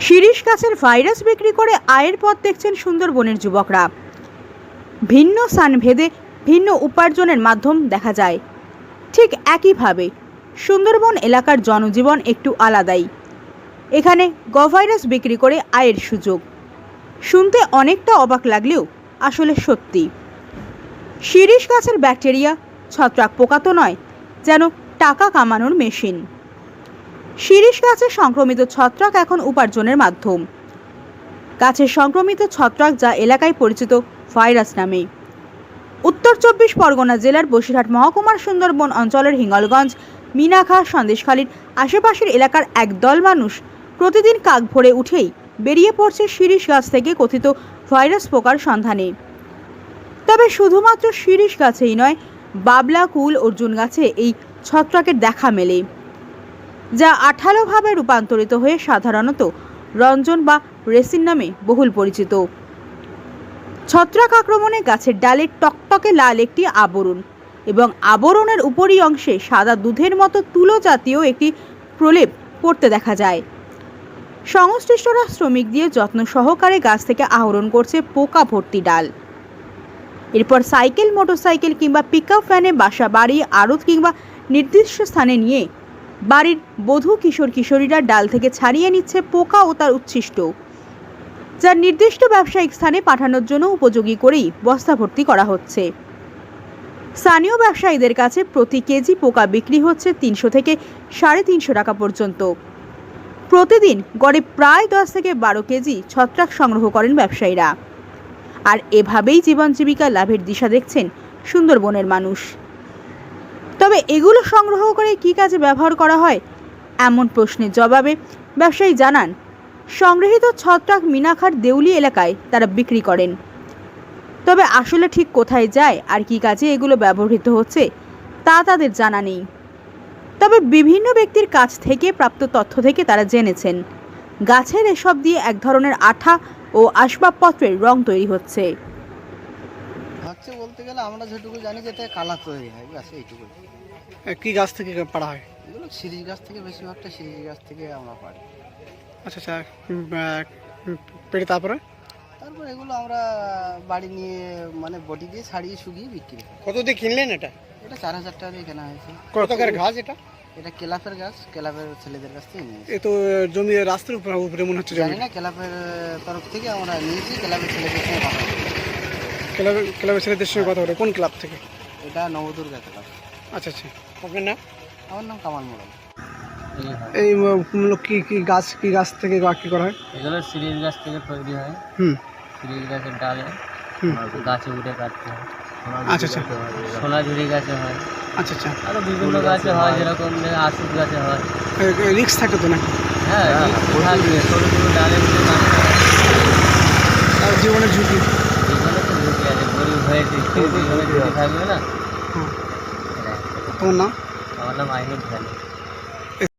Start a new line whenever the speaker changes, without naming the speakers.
শিরীষ গাছের ভাইরাস বিক্রি করে আয়ের পথ দেখছেন সুন্দরবনের যুবকরা। ভিন্ন স্থানভেদে ভিন্ন উপার্জনের মাধ্যম দেখা যায়। ঠিক একইভাবে সুন্দরবন এলাকার জনজীবন একটু আলাদাই। এখানে গভাইরাস বিক্রি করে আয়ের সুযোগ। শুনতে অনেকটা অবাক লাগলেও আসলে সত্যি। শিরীষ গাছের ব্যাকটেরিয়া ছত্রাক পোকা তো নয়, যেন টাকা কামানোর মেশিন। শিরীষ গাছে সংক্রমিত ছত্রাক এখন উপার্জনের মাধ্যম। গাছের সংক্রমিত ছত্রাক যা এলাকায় পরিচিত ভাইরাস নামে। উত্তর 24 পরগনা জেলার বসিরহাট মহকুমার সুন্দরবন অঞ্চলের হিঙ্গলগঞ্জ, মিনাখা, সন্দেশখালীর আশেপাশের এলাকার একদল মানুষ প্রতিদিন কাক ভোরে উঠেই বেরিয়ে পড়ছে শিরীষ গাছ থেকে কথিত ভাইরাস পোকার সন্ধানে। তবে শুধুমাত্র শিরীষ গাছেই নয়, বাবলা, কুল, অর্জুন গাছে এই ছত্রাকের দেখা মেলে, যা আঠালোভাবে রূপান্তরিত হয়ে সাধারণত রঞ্জন বা রেসিন নামে বহুল পরিচিত। ছত্রাক আক্রমণে গাছের ডালে টকটকে লাল একটি আবরণ এবং আবরণের উপরি অংশে সাদা দুধের মতো তুলো জাতীয় একটি প্রলেপ পড়তে দেখা যায়। সংশ্লিষ্টরা শ্রমিক দিয়ে যত্ন সহকারে গাছ থেকে আহরণ করছে পোকা ভর্তি ডাল। এরপর সাইকেল, মোটরসাইকেল কিংবা পিকআপ ভ্যানে বাসা বাড়ি, আড়ত কিংবা নির্দিষ্ট স্থানে নিয়ে বাড়ির বধূ, কিশোর কিশোরীরা ডাল থেকে ছাড়িয়ে নিচ্ছে পোকা ও তার উচ্ছিষ্ট, যা নির্দিষ্ট ব্যবসায়িক স্থানে পাঠানোর জন্য উপযোগী করেই বস্তা ভর্তি করা হচ্ছে। স্থানীয় ব্যবসায়ীদের কাছে প্রতি কেজি পোকা বিক্রি হচ্ছে 300 থেকে 350 টাকা পর্যন্ত। প্রতিদিন গড়ে প্রায় 10 থেকে 12 কেজি ছত্রাক সংগ্রহ করেন ব্যবসায়ীরা। আর এভাবেই জীবন জীবিকা লাভের দিশা দেখছেন সুন্দরবনের মানুষ। তবে এগুলো সংগ্রহ করে কী কাজে ব্যবহার করা হয়, এমন প্রশ্নের জবাবে ব্যবসায়ী জানান, সংগৃহীত ছত্রাক মিনাখার দেউলি এলাকায় তারা বিক্রি করেন। তবে আসলে ঠিক কোথায় যায় আর কী কাজে এগুলো ব্যবহৃত হচ্ছে তা তাদের জানা নেই। তবে বিভিন্ন ব্যক্তির কাছ থেকে প্রাপ্ত তথ্য থেকে তারা জেনেছেন, গাছের এসব দিয়ে এক ধরনের আঠা ও আসবাবপত্রের রং তৈরি হচ্ছে।
বলতে গেলে আমরা যেটুকু জানি যে এটা কালার তৈরি হয়, গাছে এইটুকু।
কি গাছ থেকে পাড়া হয়?
এগুলো শিরীষ গাছ থেকে, বেশিরভাগটা শিরীষ গাছ থেকে আমরা পাই।
আচ্ছা আচ্ছা, পেড়ে তারপরে
এগুলো আমরা বাড়ি নিয়ে মানে বটি দিয়ে ছাড়িয়ে শুকিয়ে বিক্রি করি।
কত দিয়ে কিনলেন এটা?
এটা 4000 টাকা দিয়ে কেনা হয়েছে।
কত করে গাছ এটা?
এটা কেলাপের গাছ, কেলাপের ছেলেদের কাছ থেকে নিয়েছি।
এ তো জমি রাস্তার উপরে মনে হচ্ছে।
জানি না, কেলাপের তরফ থেকে আমরা নিয়েছি, কেলাপের ছেলেদের সঙ্গে কথা বলি।
ক্লাবের ছেলেদের সঙ্গে কথা বলে? কোন ক্লাব থেকে?
এটা নবদুর্গা ক্লাব।
আচ্ছা আচ্ছা, আপনার নাম?
আমার নাম কামাল মোড়ল।
এই কি গাছ থেকে কি করা হয়?
এগুলো শিরীষ গাছ থেকে তৈরি হয়। শিরীষ গাছের ডালে গাছে উঠে কাটতে হয়।
আচ্ছা আচ্ছা,
সোনাঝুরি গাছে হয়।
আচ্ছা আচ্ছা,
আরো বিভিন্ন গাছে হয়, যেরকম আশুক গাছে হয়।
রিক্স থাকে তো নাকি?
হ্যাঁ, থাকবে। সরু সরু ডালে উঠে কাটতে হয়।
জীবনের ঝুঁকি,
জীবনে তো ঝুঁকি আছে, গরিব হয়েছে, জীবনে ঝুঁকি থাকবে না।
তোমার নাম?
আমার নাম আইনুল খালি।